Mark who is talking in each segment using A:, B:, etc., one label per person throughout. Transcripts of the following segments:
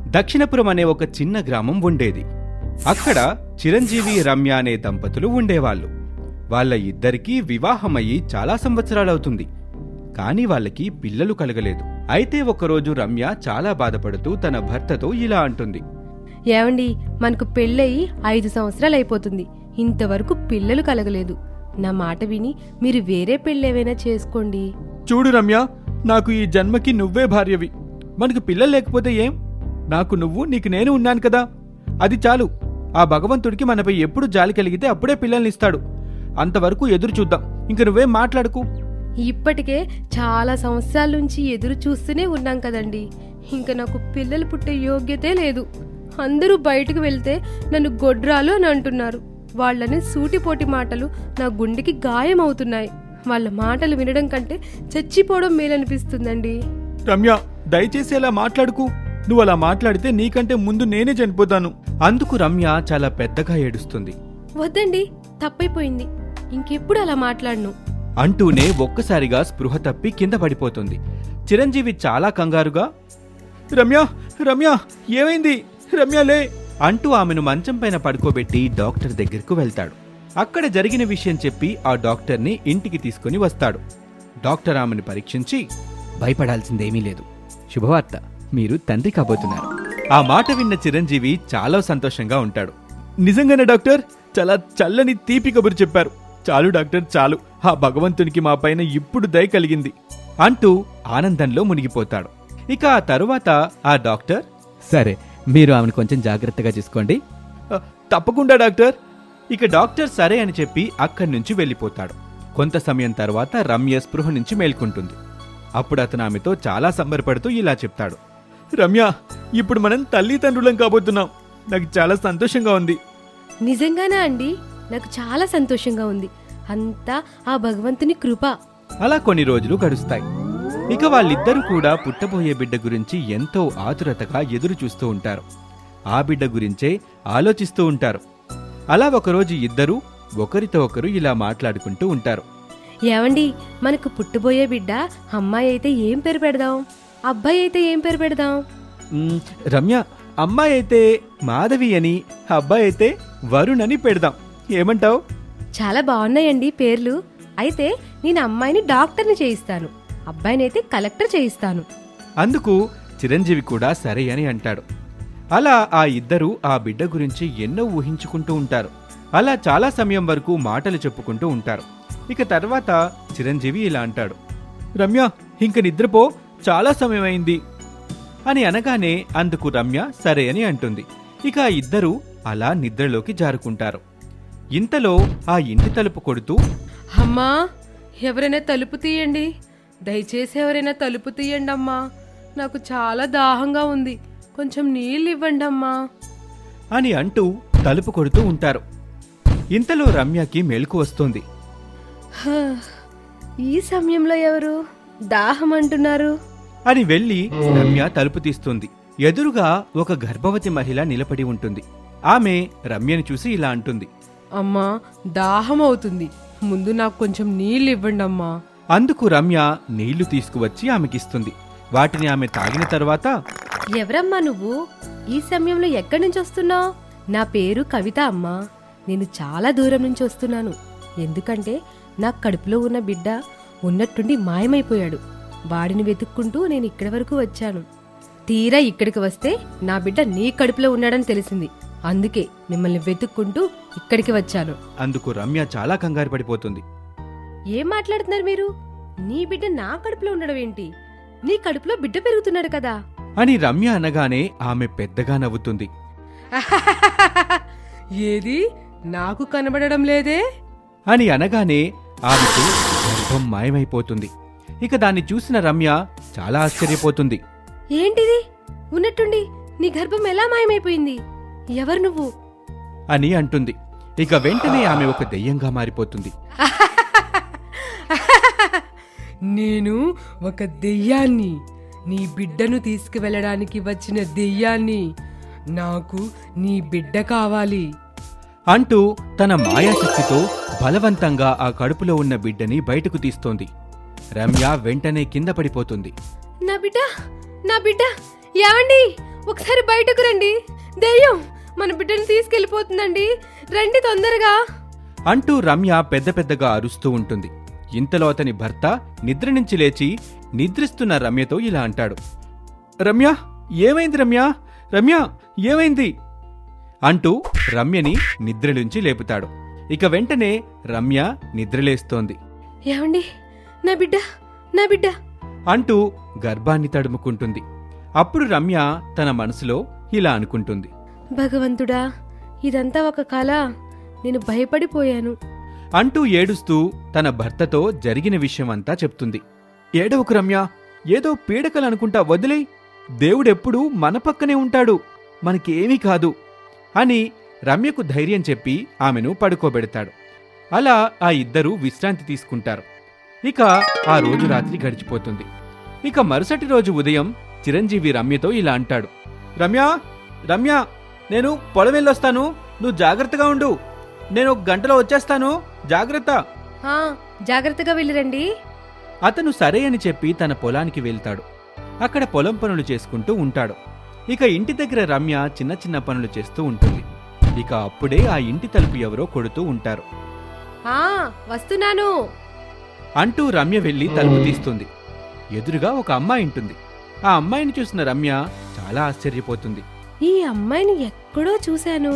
A: దక్షిణపురం అనే ఒక చిన్న గ్రామం ఉండేది. అక్కడ చిరంజీవి, రమ్య అనే దంపతులు ఉండేవాళ్ళు. వాళ్ళ ఇద్దరికీ వివాహమయ్యి చాలా సంవత్సరాలవుతుంది. కాని వాళ్ళకి పిల్లలు కలగలేదు. అయితే ఒకరోజు రమ్య చాలా బాధపడుతూ తన భర్తతో ఇలా అంటుంది.
B: ఏవండి, మనకు పెళ్ళయి 5 సంవత్సరాలైపోతుంది, ఇంతవరకు పిల్లలు కలగలేదు. నా మాట విని మీరు వేరే పెళ్ళేవైనా చేసుకోండి.
C: చూడు రమ్య, నాకు ఈ జన్మకి నువ్వే భార్యవి. మనకు పిల్లలు లేకపోతే ఏం? నాకు నువ్వు, నీకు నేను ఉన్నాను కదా, అది చాలు. ఆ భగవంతుడికి మనపై ఎప్పుడు జాలి కలిగితే అప్పుడే పిల్లల్నిస్తాడు. అంతవరకు ఎదురు చూద్దాం. ఇంక నువ్వేం మాట్లాడుకు.
B: ఇప్పటికే చాలా సంవత్సరాల నుంచి ఎదురు చూస్తూనే ఉన్నాం కదండి. ఇంక నాకు పిల్లలు పుట్టే యోగ్యతే లేదు. అందరూ బయటకు వెళ్తే నన్ను గొడ్రాలు అని అంటున్నారు. వాళ్ళని సూటిపోటి మాటలు నా గుండెకి గాయం అవుతున్నాయి. వాళ్ళ మాటలు వినడం కంటే చచ్చిపోవడం మేలనిపిస్తుందండి.
C: రమ్య, దయచేసి అలా మాట్లాడుకు. నువ్వు అలా మాట్లాడితే నీకంటే ముందు నేనే చనిపోతాను.
A: అందుకు రమ్య చాలా పెద్దగా ఏడుస్తుంది.
B: వద్దండి, తప్పైపోయింది, ఇంకెప్పుడు అలా మాట్లాడను
A: అంటూనే ఒక్కసారిగా స్పృహ తప్పి కింద పడిపోతుంది. చిరంజీవి చాలా కంగారుగా,
C: రమ్య, రమ్య, ఏమైంది? రమ్యలే
A: అంటూ ఆమెను మంచం పైన పడుకోబెట్టి డాక్టర్ దగ్గరకు వెళ్తాడు. అక్కడ జరిగిన విషయం చెప్పి ఆ డాక్టర్ని ఇంటికి తీసుకుని వస్తాడు. డాక్టర్ ఆమెను పరీక్షించి, భయపడాల్సిందేమీ లేదు, శుభవార్త, మీరు తండ్రి కాబోతున్నారు. ఆ మాట విన్న చిరంజీవి చాలా సంతోషంగా ఉంటాడు.
C: నిజంగానే డాక్టర్, చాలా చల్లని తీపి కబురు చెప్పారు. చాలు డాక్టర్, చాలు. ఆ భగవంతునికి మా పైన ఇప్పుడు దయ కలిగింది
A: అంటూ ఆనందంలో మునిగిపోతాడు. ఇక ఆ తరువాత ఆ డాక్టర్, సరే, మీరు ఆమెను కొంచెం జాగ్రత్తగా చూసుకోండి.
C: తప్పకుండా డాక్టర్.
A: ఇక డాక్టర్ సరే అని చెప్పి అక్కడి నుంచి వెళ్ళిపోతాడు. కొంత సమయం తర్వాత రమ్య స్పృహ నుంచి మేల్కొంటుంది. అప్పుడు అతను ఆమెతో చాలా సంబరపడుతూ ఇలా చెప్తాడు.
C: రమ్య, ఇప్పుడు మనం తల్లిదండ్రులం కాబోతున్నాం. నాకు చాలా సంతోషంగా ఉంది.
B: నిజంగానా అండి? నాకు చాలా సంతోషంగా ఉంది. అంతా ఆ భగవంతుని కృప.
A: అలా కొన్ని రోజులు గడుస్తాయి. ఇక వాళ్ళిద్దరూ కూడా పుట్టబోయే బిడ్డ గురించి ఎంతో ఆతురతగా ఎదురు చూస్తూ ఉంటారు. ఆ బిడ్డ గురించే ఆలోచిస్తూ ఉంటారు. అలా ఒకరోజు ఇద్దరూ ఒకరితో ఒకరు ఇలా మాట్లాడుకుంటూ ఉంటారు.
B: ఏవండి, మనకు పుట్టబోయే బిడ్డ అమ్మాయి అయితే ఏం పేరు పెడదాం? అబ్బాయి అయితే ఏం పేరు పెడదాం?
A: రమ్య, అమ్మాయి అయితే మాధవి అని, అబ్బాయి అయితే వరుణ్ అని పెడదాం. ఏమంటావు?
B: చాలా బాగున్నాయండి పేర్లు. అయితే నేను అమ్మాయిని డాక్టర్ని చేయిస్తాను, అబ్బాయినైతే కలెక్టర్ చేయిస్తాను.
A: అందుకు చిరంజీవి కూడా సరే అని అంటాడు. అలా ఆ ఇద్దరూ ఆ బిడ్డ గురించి ఎన్నో ఊహించుకుంటూ ఉంటారు. అలా చాలా సమయం వరకు మాటలు చెప్పుకుంటూ ఉంటారు. ఇక తర్వాత చిరంజీవి ఇలా అంటాడు.
C: రమ్య, ఇంక నిద్రపో, చాలా సమయం అయింది
A: అని అనగానే అందుకు రమ్య సరే అని అంటుంది. ఇక ఆ ఇద్దరూ అలా నిద్రలోకి జారుకుంటారు. ఇంతలో ఆ ఇంటి తలుపు కొడుతూ,
B: అమ్మా, ఎవరైనా తలుపు తీయండి, దయచేసి ఎవరైనా తలుపు తీయండి అమ్మా, నాకు చాలా దాహంగా ఉంది, కొంచెం నీళ్ళు ఇవ్వండి అమ్మా
A: అని అంటూ తలుపు కొడుతూ ఉంటారు. ఇంతలో రమ్యకి మెలకు వస్తుంది.
B: ఈ సమయంలో ఎవరు దాహం అంటున్నారు
A: అని వెళ్లి రమ్య తలుపు తీస్తుంది. ఎదురుగా ఒక గర్భవతి మహిళ నిలబడి ఉంటుంది. ఆమె రమ్యని చూసి ఇలా అంటుంది.
B: అమ్మా, దాహం అవుతుంది, ముందు నాకు కొంచెం నీళ్ళు ఇవ్వండి అమ్మా.
A: అందుకు రమ్య నీళ్లు తీసుకువచ్చి ఆమెకిస్తుంది. వాటిని ఆమె తాగిన తర్వాత,
B: ఎవరమ్మా నువ్వు? ఈ సమయంలో ఎక్కడి నుంచి వస్తున్నావు? నా పేరు కవిత అమ్మా. నేను చాలా దూరం నుంచి వస్తున్నాను. ఎందుకంటే నా కడుపులో ఉన్న బిడ్డ ఉన్నట్టుండి మాయమైపోయాడు. వాడిని వెతుక్కుంటూ నేను ఇక్కడి వరకు వచ్చాను. తీరా ఇక్కడికి వస్తే నా బిడ్డ నీ కడుపులో ఉన్నాడని తెలిసింది. అందుకే మిమ్మల్ని వెతుక్కుంటూ ఇక్కడికి వచ్చాను.
A: అందుకు రమ్య చాలా కంగారు పడిపోతుంది.
B: ఏం మాట్లాడుతున్నారు మీరు? నీ బిడ్డ నా కడుపులో ఉండడం ఏంటి? నీ కడుపులో బిడ్డ పెరుగుతున్నాడు కదా
A: అని రమ్య అనగానే ఆమె పెద్దగా నవ్వుతుంది.
B: ఏది నాకు కనబడడం లేదే
A: అని అనగానే ఆమెకు గర్భం మాయమైపోతుంది. ఇక దాన్ని చూసిన రమ్య చాలా ఆశ్చర్యపోతుంది.
B: ఏంటిది? ఉన్నట్టుండి నీ గర్భం ఎలా మాయమైపోయింది? ఎవరు నువ్వు
A: అని అంటుంది. ఇక వెంటనే ఆమె ఒక దెయ్యంగా మారిపోతుంది.
B: నేను ఒక దెయ్యాన్ని, నీ బిడ్డను తీసుకువెళ్ళడానికి వచ్చిన దెయ్యాన్ని. నాకు నీ బిడ్డ కావాలి
A: అంటూ తన మాయాశక్తితో బలవంతంగా ఆ కడుపులో ఉన్న బిడ్డని బయటకు తీస్తోంది. రమ్య వెంటనే కింద పడిపోతుంది.
B: నా బిడ్డ, నా బిడ్డ, ఏమండి ఒకసారి బయటకు రండి. దెయ్యం మన బిడ్డను తీసుకెళ్లిపోతుందండి, రండి తొందరగా
A: అంటూ రమ్య పెద్ద పెద్దగా అరుస్తూ ఉంటుంది. ఇంతలో అతని భర్త నిద్ర నుంచి లేచి నిద్రిస్తున్న రమ్యతో ఇలా అంటాడు.
C: రమ్య, ఏమైంది రమ్య? రమ్య, ఏమైంది?
A: అంటూ రమ్యని నిద్రలుంచి లేపుతాడు. ఇక వెంటనే రమ్య నిద్రలేస్తోంది.
B: ఏమండి, నా బిడ్డ, నా బిడ్డ
A: అంటూ గర్భాన్ని తడుముకుంటుంది. అప్పుడు రమ్య తన మనసులో ఇలా అనుకుంటుంది.
B: భగవంతుడా, ఇదంతా ఒక కల, నేను భయపడిపోయాను
A: అంటూ ఏడుస్తూ తన భర్తతో జరిగిన విషయమంతా చెప్తుంది.
C: ఏడవకు రమ్య, ఏదో పీడకలనుకుంటా, వదిలేయ్. దేవుడెప్పుడూ మన పక్కనే ఉంటాడు, మనకేమీ కాదు
A: అని రమ్యకు ధైర్యం చెప్పి ఆమెను పడుకోబెడతాడు. అలా ఆ ఇద్దరూ విశ్రాంతి తీసుకుంటారు. ఇక ఆ రోజు రాత్రి గడిచిపోతుంది. ఇక మరుసటి రోజు ఉదయం చిరంజీవి రమ్యతో ఇలా అంటాడు.
C: రమ్య, రమ్య, నేను పొలం వెళ్ళొస్తాను, నువ్వు జాగ్రత్తగా ఉండు. నేను 1 గంటలో వచ్చేస్తాను, జాగ్రత్త.
B: జాగ్రత్తగా వెళ్ళిరండి.
A: అతను సరే అని చెప్పి తన పొలానికి వెళ్తాడు. అక్కడ పొలం పనులు చేసుకుంటూ ఉంటాడు. ఇక ఇంటి దగ్గర రమ్య చిన్న చిన్న పనులు చేస్తూ ఉంటుంది. ఇక అప్పుడే ఆ ఇంటి తలుపు ఎవరో కొడుతూ ఉంటారు.
B: వస్తున్నాను
A: అంటూ రమ్య వెళ్లి తలుపు తీస్తుంది. ఎదురుగా ఒక అమ్మాయి ఉంటుంది. ఆ అమ్మాయిని చూసిన రమ్య చాలా ఆశ్చర్యపోతుంది.
B: ఈ అమ్మాయిని ఎక్కడో చూశాను.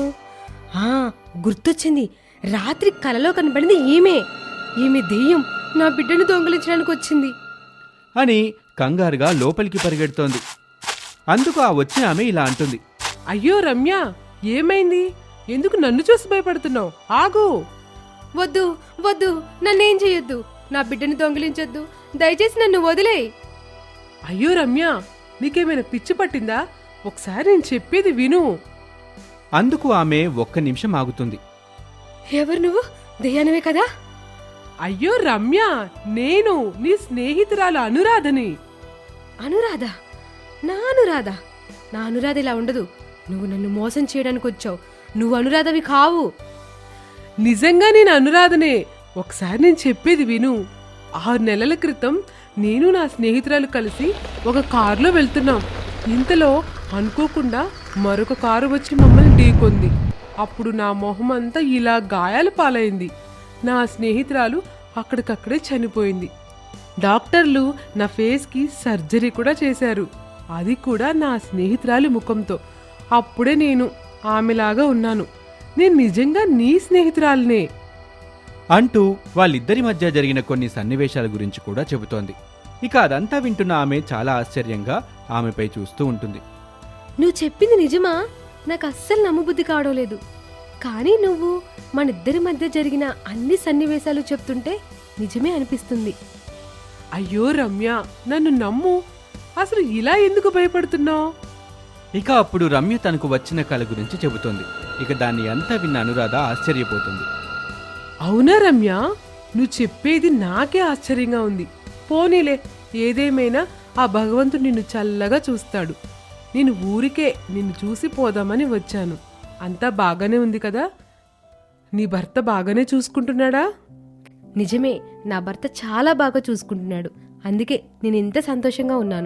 B: గుర్తొచ్చింది, రాత్రి కలలో కనబడింది ఈమె దెయ్యం నా బిడ్డను దొంగిలించడానికి వచ్చింది
A: అని కంగారుగా లోపలికి పరిగెడుతోంది. అందుకు ఆ వచ్చిన ఆమె ఇలా అంటుంది.
D: అయ్యో రమ్య, ఏమైంది? ఎందుకు నన్ను చూసి భయపడుతున్నావు? ఆగు.
B: వద్దు వద్దు, నన్నేం చెయ్యొద్దు, నా బిడ్డను దొంగిలించొద్దు, దయచేసి నన్ను వదిలేయ్.
D: అయ్యో రమ్య, నీకేమైనా పిచ్చి పట్టిందా? ఒకసారి నేను చెప్పేది విను.
A: అందుకు ఆమె 1 నిమిషం ఆగుతుంది.
B: ఎవరు నువ్వు? దెయ్యానివే కదా?
D: అయ్యో రమ్య, నేను నీ స్నేహితురాలు అనురాధని.
B: అనురాధ? నా అనురాధ? నా అనురాధ ఇలా ఉండదు. నువ్వు నన్ను మోసం చేయడానికి వచ్చావు. నువ్వు అనురాధవి కావు.
D: నిజంగా నేను అనురాధనే. ఒకసారి నేను చెప్పేది విను. 6 నెలల క్రితం నేను నా స్నేహితురాలు కలిసి ఒక కారులో వెళ్తున్నాం. ఇంతలో అనుకోకుండా మరొక కారు వచ్చి మమ్మల్ని ఢీకొంది. అప్పుడు నా మొహం అంతా ఇలా గాయాల పాలైంది. నా స్నేహితురాలు అక్కడికక్కడే చనిపోయింది. డాక్టర్లు నా ఫేస్కి సర్జరీ కూడా చేశారు, అది కూడా నా స్నేహితురాలి ముఖంతో. అప్పుడే నేను ఆమెలాగా ఉన్నాను. నేను నిజంగా నీ స్నేహితురాలినే
A: అంటూ వాళ్ళిద్దరి మధ్య జరిగిన కొన్ని సన్నివేశాల గురించి కూడా చెబుతోంది. ఇక అదంతా వింటున్న ఆమె చాలా ఆశ్చర్యంగా ఆమెపై చూస్తూ ఉంటుంది.
B: నువ్వు చెప్పింది నిజమా? నాకు అస్సలు నమ్మబుద్ధి కావడం లేదు. కానీ నువ్వు మనిద్దరి మధ్య జరిగిన అన్ని సన్నివేశాలు చెప్తుంటే నిజమే అనిపిస్తుంది.
D: అయ్యో రమ్య, నన్ను నమ్ము. అసలు ఇలా ఎందుకు భయపడుతున్నావు?
A: ఇక అప్పుడు రమ్య తనకు వచ్చిన కళ గురించి చెబుతోంది. ఇక దాన్ని అంతా విన్న అనురాధ ఆశ్చర్యపోతుంది.
D: అవునా రమ్య, నువ్వు చెప్పేది నాకే ఆశ్చర్యంగా ఉంది. పోనీలే, ఏదేమైనా ఆ భగవంతుడు నిన్ను చల్లగా చూస్తాడు. నేను ఊరికే నిన్ను చూసి పోదామని వచ్చాను. అంతా బాగానే ఉంది కదా? నీ భర్త బాగానే చూసుకుంటున్నాడా?
B: నిజమే, నా భర్త చాలా బాగా చూసుకుంటున్నాడు. అందుకే నేను ఇంత సంతోషంగా ఉన్నాను.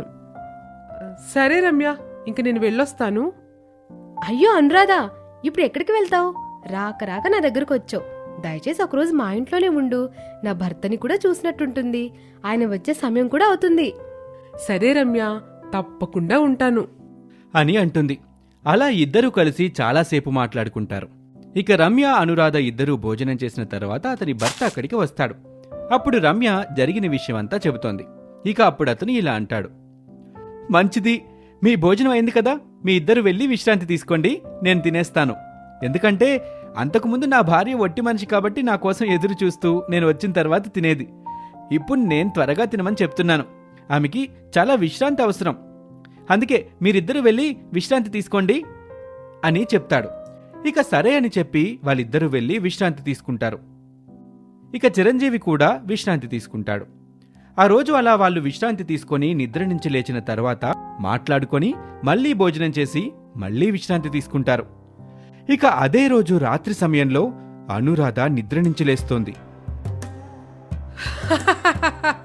D: సరే రమ్య, ఇంక నేను వెళ్ళొస్తాను.
B: అయ్యో అనురాధ, ఇప్పుడు ఎక్కడికి వెళ్తావు? రాక రాక నా దగ్గరకు వచ్చావు. దయచేసి ఒకరోజు మా ఇంట్లోనే ఉండు. నా భర్తని కూడా చూసినట్టుంటుంది. ఆయన వచ్చే సమయం కూడా అవుతుంది.
D: సరే రమ్య, తప్పకుండా ఉంటాను
A: అని అంటుంది. అలా ఇద్దరూ కలిసి చాలాసేపు మాట్లాడుకుంటారు. ఇక రమ్య అనురాధ ఇద్దరూ భోజనం చేసిన తర్వాత అతని భర్త అక్కడికి వస్తాడు. అప్పుడు రమ్య జరిగిన విషయమంతా చెబుతోంది. ఇక అప్పుడు అతను ఇలా అంటాడు. మంచిది, మీ భోజనం అయింది కదా, మీ ఇద్దరు వెళ్ళి విశ్రాంతి తీసుకోండి, నేను తినేస్తాను. ఎందుకంటే అంతకుముందు నా భార్య ఒట్టి మనిషి కాబట్టి నా కోసం ఎదురు చూస్తూ నేను వచ్చిన తర్వాత తినేది. ఇప్పుడు నేను త్వరగా తినమని చెప్తున్నాను. ఆమెకి చాలా విశ్రాంతి అవసరం. అందుకే మీరిద్దరూ వెళ్ళి విశ్రాంతి తీసుకోండి అని చెప్తాడు. ఇక సరే అని చెప్పి వాళ్ళిద్దరూ వెళ్ళి విశ్రాంతి తీసుకుంటారు. ఇక చిరంజీవి కూడా విశ్రాంతి తీసుకుంటాడు. ఆ రోజు అలా వాళ్ళు విశ్రాంతి తీసుకొని నిద్ర నుంచి లేచిన తర్వాత మాట్లాడుకొని మళ్లీ భోజనం చేసి మళ్లీ విశ్రాంతి తీసుకుంటారు. ఇక అదే రోజు రాత్రి సమయంలో అనురాధ నిద్ర నుంచి లేస్తోంది.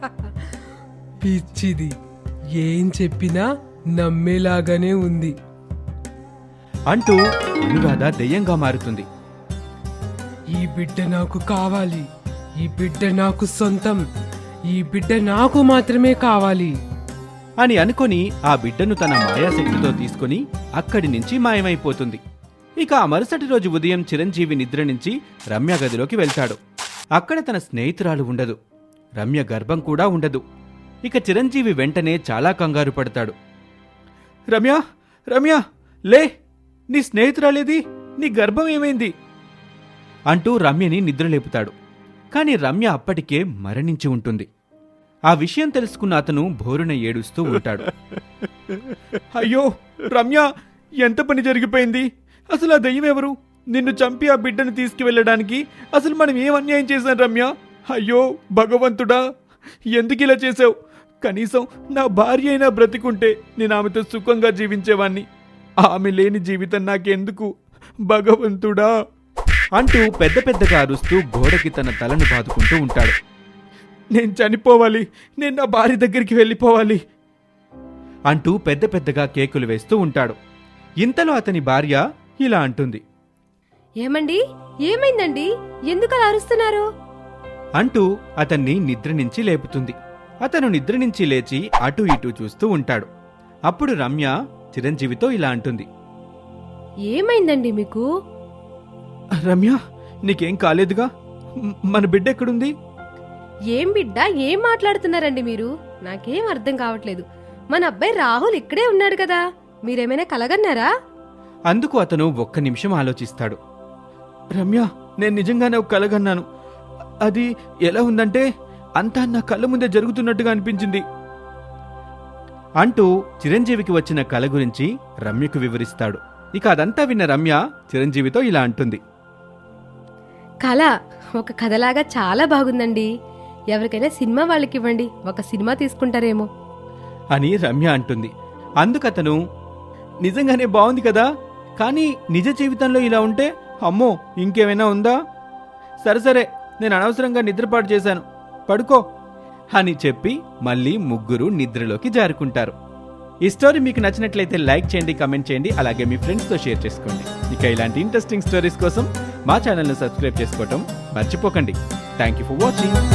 D: పిచ్చిది, ఏం చెప్పినా నమ్మేలాగానే ఉంది.
A: అంటూ అనురాధ దెయ్యంగా మారుతుంది.
D: ఈ బిడ్డ నాకు కావాలి, ఈ బిడ్డ నాకు సొంతం, ఈ బిడ్డ నాకు మాత్రమే కావాలి
A: అని అనుకొని ఆ బిడ్డను తన మాయాశక్తితో తీసుకుని అక్కడి నుంచి మాయమైపోతుంది. ఇక ఆ మరుసటి రోజు ఉదయం చిరంజీవి నిద్ర నుంచి రమ్య గదిలోకి వెళ్తాడు. అక్కడ తన స్నేహితురాలు ఉండదు, రమ్య గర్భం కూడా ఉండదు. ఇక చిరంజీవి వెంటనే చాలా కంగారు పడతాడు.
C: రమ్య, రమ్య, లే, నీ స్నేహితురాలేది? నీ గర్భం ఏమైంది?
A: అంటూ రమ్యని నిద్రలేపుతాడు. కాని రమ్య అప్పటికే మరణించి ఉంటుంది. ఆ విషయం తెలుసుకున్న అతను భోరున ఏడుస్తూ ఉంటాడు.
C: అయ్యో రమ్య, ఎంత పని జరిగిపోయింది? అసలు ఆ దయ్యం ఎవరు? నిన్ను చంపి ఆ బిడ్డను తీసుకువెళ్ళడానికి అసలు మనం ఏం అన్యాయం చేశాం రమ్య? అయ్యో భగవంతుడా, ఎందుకు ఇలా చేసావు? కనీసం నా భార్య అయినా బ్రతికుంటే నేను ఆమెతో సుఖంగా జీవించేవాణ్ణి. ఆమె లేని జీవితం నాకెందుకు భగవంతుడా
A: అంటూ పెద్ద పెద్దగా అరుస్తూ గోడకి తన తలను బాదుకుంటూ ఉంటాడు.
C: నేను చనిపోవాలి, నేను నా భార్య దగ్గరికి వెళ్ళిపోవాలి
A: అంటూ పెద్ద పెద్దగా కేకులు వేస్తూ ఉంటాడు. ఇంతలో అతని భార్య ఇలా అంటుంది.
B: ఏమండి, ఏమైందండి? ఎందుకు అలా అరుస్తున్నారు?
A: అంటూ అతన్ని నిద్ర నుంచి లేపుతుంది. అతను నిద్ర నుంచి లేచి అటూ ఇటూ చూస్తూ ఉంటాడు. అప్పుడు రమ్య చిరంజీవితో ఇలా అంటుంది.
B: ఏమైందండి మీకు?
C: రమ్య, నీకేం కాలేదుగా? మన బిడ్డ ఎక్కడుంది?
B: ఏం బిడ్డ, ఏం మాట్లాడుతున్నారండి మీరు? నాకేం అర్థం కావట్లేదు. మన అబ్బాయి రాహుల్ ఇక్కడే ఉన్నాడు కదా, మీరేమైనా కలగన్నారా?
A: అందుకు అతను ఒక్క నిమిషం ఆలోచిస్తాడు.
C: రమ్య, నేను నిజంగానే ఒక కలగన్నాను. అది ఎలా ఉందంటే అంతా నా కళ్ళ ముందే జరుగుతున్నట్టుగా అనిపించింది
A: అంటూ చిరంజీవికి వచ్చిన కల గురించి రమ్యకు వివరిస్తాడు. ఇక అదంతా విన్న రమ్య చిరంజీవితో ఇలా అంటుంది.
B: కళ ఒక కథలాగా చాలా బాగుందండి. ఎవరికైనా సినిమా వాళ్ళకి ఇవ్వండి, ఒక సినిమా తీసుకుంటారేమో
A: అని రమ్య అంటుంది. అందుకతను, నిజంగానే బాగుంది కదా, కానీ నిజ జీవితంలో ఇలా ఉంటే అమ్మో ఇంకేమైనా ఉందా? సరే నేను అనవసరంగా నిద్రపాటు చేశాను, పడుకో అని చెప్పి మళ్ళీ ముగ్గురు నిద్రలోకి జారుకుంటారు. ఈ స్టోరీ మీకు నచ్చినట్లయితే లైక్ చేయండి, కమెంట్ చేయండి, అలాగే మీ ఫ్రెండ్స్తో షేర్ చేసుకోండి. ఇక ఇలాంటి ఇంట్రెస్టింగ్ స్టోరీస్ కోసం మా ఛానల్ను సబ్స్క్రైబ్ చేసుకోవటం మర్చిపోకండి. Thank you for watching.